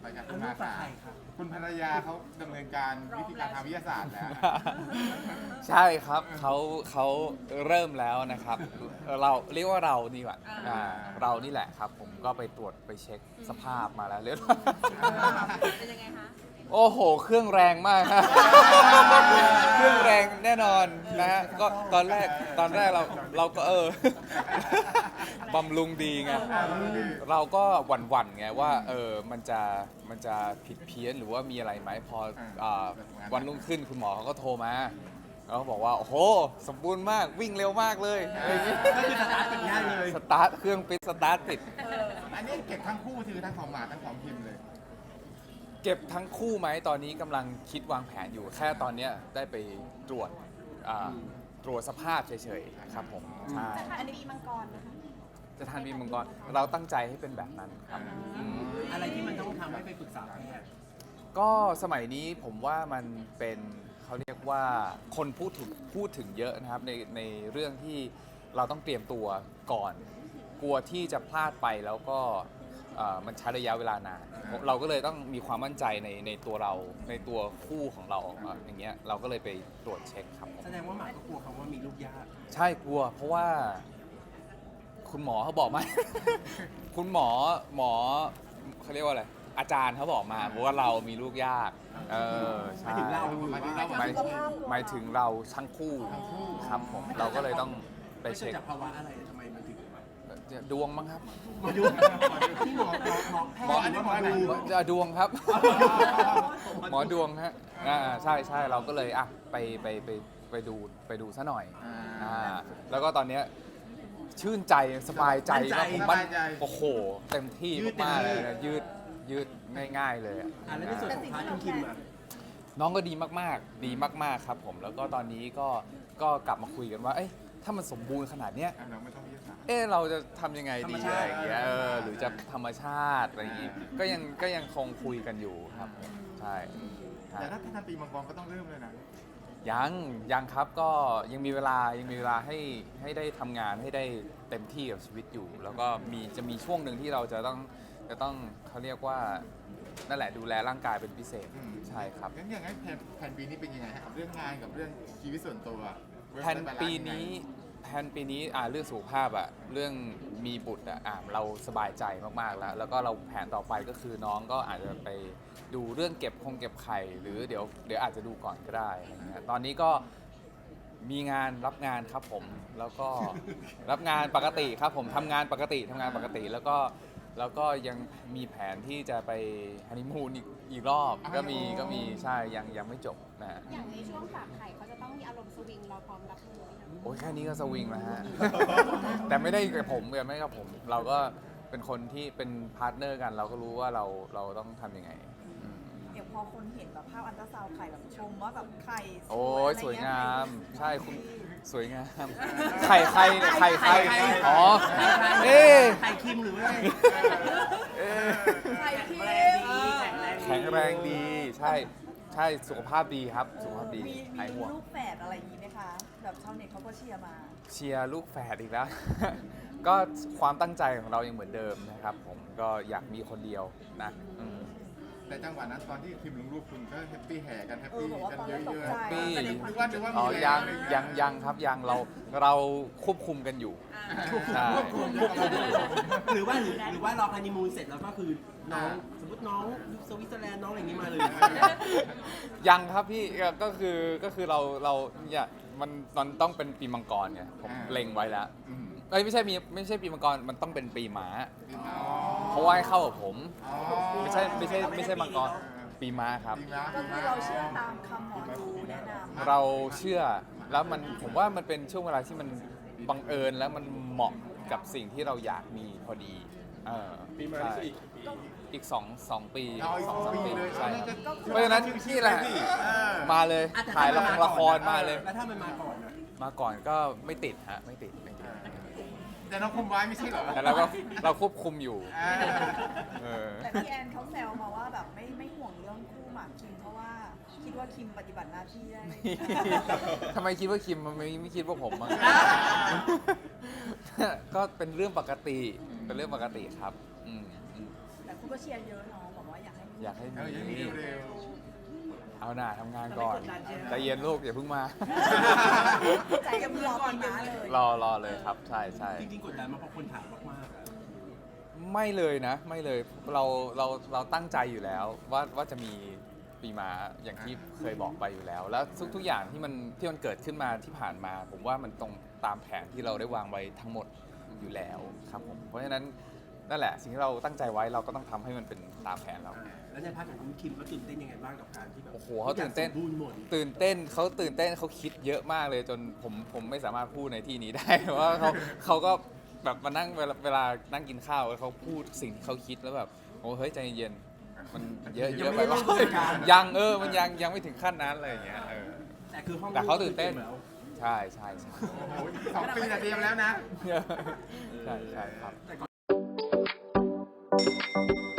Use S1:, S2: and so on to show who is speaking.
S1: ไปครับ
S2: เอา
S1: คุณ
S2: ลู
S1: มาก
S2: ฝาก
S1: ค่ะ
S2: ใครครับ
S1: คุณภรรยาเขาดำเนินการวิธีการทางวิทยาศาสตร์แล้ว
S3: ใช่ครับเขาเริ่มแล้วนะครับเราเรียกว่าเรานี่แหละเรานี่แหละครับผมก็ไปตรวจไปเช็คสภาพมาแล้วเรียบร้อย
S4: เป็นยังไงคะ
S3: โอ้โห เครื่องแรงมากฮะ เครื่องแรงแน่นอนนะฮะก็ตอนแรกเราก็บำรุงดีไงเราก็หวั่นๆไงว่ามันจะผิดเพี้ยนหรือว่ามีอะไรไหมพอวันรุ่งขึ้นคุณหมอเขาก็โทรมาแล้วเขาบอกว่าโอ้โหสมบูรณ์มากวิ่งเร็วมากเลยอะไรอย่างงี้
S2: ก็คือสตาร์ทติดง่ายเลย
S3: สตาร์ทเครื่องปิดสตาร์ทติด
S1: อันนี้เก็บทั้งคู่คือทั้งของหมาทั้งของพิมพ์เลย
S3: เก็บทั้งคู่ไหมตอนนี้กำลังคิดวางแผนอยู่แค่ตอนเนี้ยได้ไปตรวจตรวจสภาพเฉยๆครับผมใช่
S4: อันนี้มังกรนะคะ
S3: จะทานบีมังกรเราตั้งใจให้เป็นแบบนั้นครับม
S2: อะไรที่มันต้องทำให้ไปปรึกษาแพทย์
S3: ก็สมัยนี้ผมว่ามันเป็นเขาเรียกว่าคนพูดถึงเยอะนะครับในเรื่องที่เราต้องเตรียมตัวก่อน กลัวที่จะพลาดไปแล้วก็มันใช้ระยะเวลานานเราก็เลยต้องมีความมั่นใจในตัวเราในตัวคู่ของเราอย่างเงี้ยเราก็เลยไปตรวจเช็คครับผม
S2: แสดงว่าหมาก็กลัวคำว่ามีลูกยาก
S3: ใช่กลัวเพราะว่าคุณหมอเขาบอกมา คุณหมอเขาเรียกว่าอะไรอาจารย์เขาบอกมาว่าเรามีลูกยากใช่
S2: หมายถึงเรา
S3: หมายถึงเราทั้งคู่ครับผมเราก็เลยต้องไป
S2: ไม่ใช่
S3: เช็ค
S2: จากภาวะอะไรทำไมมันถึง
S3: ดวงมั้งครับ
S2: หมอดูที่หมอแพทย์หรือว่าหมอดู
S3: ดวงครับ หมอดวงฮะใช่เราก็เลยไปดูซะหน่อยแล้วก็ตอนเนี้ยชื่นใจสบายใจว่าผมมันโอ้โหเต็มที่มากๆเลยนะยืดง่ายๆเลยอะ
S2: แล้วในส่วนของพาร์ทคุณคิมอ่ะ
S3: น้องก็ดีมากๆดีมากๆครับผมแล้วก็ตอนนี้ก็กลับมาคุยกันว่าเอ้ยถ้ามันสมบูรณ์ขนาดเนี้ย
S1: เราไม่ต้องวิทยาศาสตร์
S3: เราจะทำยังไงดี
S2: ธรรมชา
S3: อะไร
S2: ติ
S3: อย่างเงี้ยหรือจะธรรมชาติอะไรอย่างงี้ก็ยังคงคุยกันอยู่ครับใช่ใช่
S1: แต่ถ้าทำปีมังกรก็ต้องเริ่มเลยนะ
S3: ยังครับก็ยังมีเวลาให้ได้ทำงานให้ได้เต็มที่กับชีวิตอยู่ แล้วก็จะมีช่วงหนึ่งที่เราจะต้องเขาเรียกว่านั่นแหละดูแลร่างกายเป็นพิเศษใช่ครับ
S1: งั้นอย่างนั้นแผนปีนี้เป็นยังไงฮะกับเรื่องงานกับเรื่องชีวิตส่วนตัว
S3: แผนปีนี้เรื่องสุขภาพเรื่องมีบุตรเราสบายใจมากๆแล้วก็เราแผนต่อไปก็คือน้องก็อาจจะไปดูเรื่องเก็บไข่หรือเดี๋ยวอาจจะดูก่อนก็ได้อะไรเงี้ยตอนนี้ก็มีงานรับงานครับผมแล้วก็ รับงานปกติครับผมทำงานปกติแล้วก็ยังมีแผนที่จะไปฮันนีมูนอีกรอบก็มีใช่ยังไม่จบนะฮะ
S4: อย่างในช่วงฝากไข่เขาจะต้องมีอารมณ์สวิงเราพร้อมรับมือไหมคะ
S3: โอ้ยแค่นี้ก็สวิงแล้วฮะ แต่ไม่ได้กับผมเราก็เป็นคนที่เป็นพาร์ทเนอร์กัน เราก็รู้ว่าเราต้องทำยังไง
S5: อย่างพอคนเห็นแบบภาพอันตราซาวด์ไข่แบบชมว่าแบบไข่
S3: โอ้ยสวยงาม ใช่คุณสวยงาม ใครเนี่ยใครอ๋อเอ๊ะ
S2: ไข่คิมหรือว่าอะไร
S5: ไข่ที่
S2: แรงดีแข็งแรง
S3: แข็งแรงดีใช่สุขภาพดีครับสุขภาพดี
S5: มี
S3: หายห่วง
S5: ลูกแฝดอะไรอย่างนี้ไหมคะ แบบชาวเน็ตเขาก็เชียร์มา
S3: เชียร์ลูกแฝดอีกแล้ว ก็ความตั้งใจของเรายังเหมือนเดิมนะครับผมก็อยากมีคนเดียวนะอืม
S1: แต่จังหวะนั้นตอนที่พิมพ์ลงรูปคุณก็แฮปปี้แห่กันแฮป
S5: เออ
S1: ปี้
S5: บอกว่า
S1: กัน
S5: ตอน
S1: เย
S5: แรกตก
S1: อะ
S5: ใจ
S1: ๆ
S5: แต่ใน
S1: นึกว่ามี
S3: อ๋อ
S1: อะไร
S3: ยังครับยังเราควบคุมกันอยู่ใช่
S2: ควบคุมหรือว่ารอฮันนีมูนเสร็จแล้วก็คือน้องสมมติน้องสวิตเซอร์แลนด์น้องอะไรอย่างนี้มาเลย
S3: ยังครับพี่ก็คือเราเนี่ยมันต้องเป็นปีมังกรไงผมเล็งไว้แล้ว
S1: อืม
S3: ไม่ใช่ปีมังกรมันต้องเป็นปีม้า
S1: อ๋อ
S3: เพราะว่าให้เข้ากับผม
S1: อ๋อ
S3: ไม่ใช่มังกรปีม้าครับ
S1: ดีมาก
S5: ก็คือเราเชื่อตามคำหมอดูแนะนำ
S3: เราเชื่อแล้วผมว่ามันเป็นช่วงเวลาที่มันบังเอิญแล้วมันเหมาะกับสิ่งที่เราอยากมีพอดีปีม้าอีก2 ปี
S1: เอาอีก
S3: 2-3
S1: ปีเลย
S3: ใช่
S1: ก็
S3: เพราะฉะนั้นนี่แหละ มาเลย
S2: อ่ะแต่
S3: ถ่าย
S2: ถ้มัน
S3: ละครมาเลย
S2: แล้วถ้ามันมาก่อนอะ
S3: มาก่อนก็ไม่ติดฮะไม่ติด
S1: แต่น้องคุมไว้ไม่ใช่เหรอ
S3: แต่เราควบคุมอยู่
S1: อ่า
S3: เออ
S5: แต่พี่แอนเขาแซวมาว่าแบบไม่ห่วงเรื่องคู่หมากคิมเพราะว่าคิดว่าคิมปฏิบัติหน้าที่ได้
S3: ทำไมคิดว่าคิมมันไม่คิดว่าผมมั้ง ก็เป็นเรื่องปกติครับอืม
S5: แต่คุณก็เชียร์เยอะเนาะบอกว่าอยากให้มี
S3: อยากให้
S1: เออยังมี
S3: มี
S1: เร็ว
S3: เอาหน่าทำงานก่อนใจเย็นลูกอย่าเพิ่งมา
S5: ใจยังรอปีม้าเลย
S3: รอเลยครับใช่ใช่
S2: จริงๆกดดันมาเพราะคนถามมาก
S3: ไม่เลยนะไม่เลยเราตั้งใจอยู่แล้วว่าจะมีปีม้าอย่างที่เคยบอกไปอยู่แล้ว แล้วทุกอย่างที่มันเกิดขึ้นมาที่ผ่านมา ผมว่ามันตรงตามแผนที่เราได้วางไว้ทั้งหมดอยู่แล้วครับผมเพราะฉะนั้นนั่นแหละสิ่งที่เราตั้งใจไว้เราก็ต้องทำให้มันเป็นตามแผนเรา
S2: ๆแล้วในพาร์ทของคุณคิมเขาตื่นเต้นยังไงบ้างกับการที่แบบ
S3: โอ้โหเขาตื่นเต้น
S2: ทุกอย่างสมบูรณ์หมด
S3: ตื่นเต้นเขาคิดเยอะมากเลยจนผมไม่สามารถพูดในที่นี้ได้ เพราะว่าเขาก็แบบมานั่งเวลานั่งกินข้าวเขาพูดสิ่งที่เขาคิดแล้วแบบโอ้เฮ้ยใจเย็นมันเยอะ
S2: ยัง
S3: ไป
S2: ไม่ได้
S3: ว่า
S2: เริ่มต้นการ
S3: ยังมันยังไม่ถึงขั้นนั้นอะไรอย่างเงี้ย
S2: แต่คือห้อง
S3: แต่เขาตื่นเต้น
S2: แล้ว
S3: ใช่
S1: โอ้โห2 ปีแต่เตรียมแล้วนะ
S3: ใช่ครับ
S2: แต่ก่อน